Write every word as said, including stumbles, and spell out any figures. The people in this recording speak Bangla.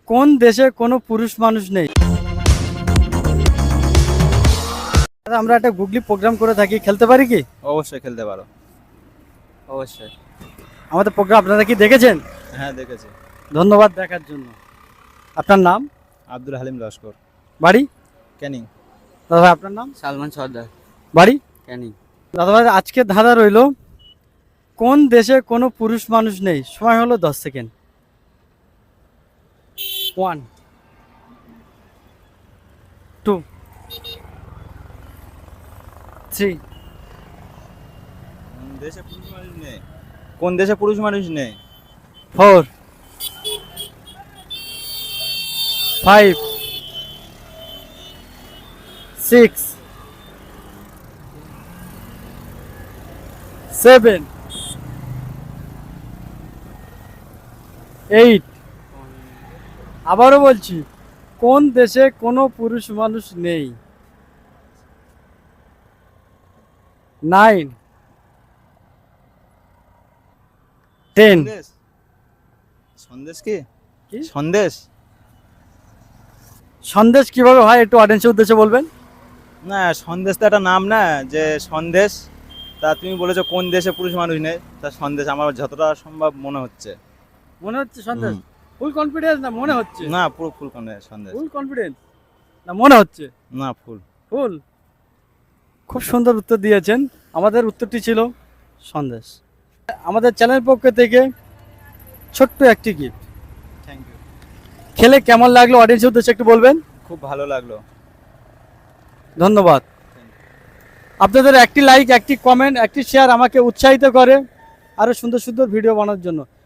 কোন দেশে কোনো পুরুষ মানুষ নেই? আমরা একটা গুগলি প্রোগ্রাম করে থাকি, খেলতে পারি কি? অবশ্যই খেলতে পারো। অবশ্যই। আমাদের প্রোগ্রাম আপনারা কি দেখেছেন? হ্যাঁ দেখেছি। ধন্যবাদ দেখার জন্য। আপনার নাম? আব্দুল হালিম লস্কর। বাড়ি? ক্যানিং। দাদা ভাই আপনার নাম? সালমান সর্দার। বাড়ি? ক্যানিং। দাদা ভাই আজকে ধাঁধা রইল, কোন দেশে কোনো পুরুষ মানুষ নেই? সময় হলো দশ সেকেন্ড। One, two, three. কোন দেশে পুরুষ মানুষ নেই? কোন দেশে পুরুষ মানুষ নেই? Four, five, six, seven, eight. আবারও বলছি, কোন দেশে কোনো পুরুষ মানুষ নেই? Nine, ten. সন্দেশ। সন্দেশ কি? কি? সন্দেশ? সন্দেশ কিভাবে হয় একটু অডিয়েন্সের উদ্দেশ্যে বলবেন? না, সন্দেশ তো একটা নাম না, যে সন্দেশ। তা তুমি বলেছো কোন দেশে পুরুষ মানুষ নেই, তা সন্দেশ আমার যতটা সম্ভব মনে হচ্ছে। মনে হচ্ছে সন্দেশ? হুম। ফুল কনফিডেন্স না মনে হচ্ছে? না, পুরো ফুল সন্দেশ। ফুল কনফিডেন্স না মনে হচ্ছে? না, ফুল। ফুল। খুব সুন্দর উত্তর দিয়েছেন। আমাদের উত্তরটি ছিল সন্দেশ। আমাদের চ্যানেল পক্ষ থেকে ছোট্ট একটি গিফট। Thank you. খেলে কেমন লাগলো অডিয়েন্সের উদ্দেশ্যে একটু বলবেন? খুব ভালো লাগলো। ধন্যবাদ। আপনাদের একটি লাইক, একটি কমেন্ট, একটি শেয়ার আমাকে উৎসাহিত করে আরো সুন্দর সুন্দর ভিডিও বানানোর জন্য।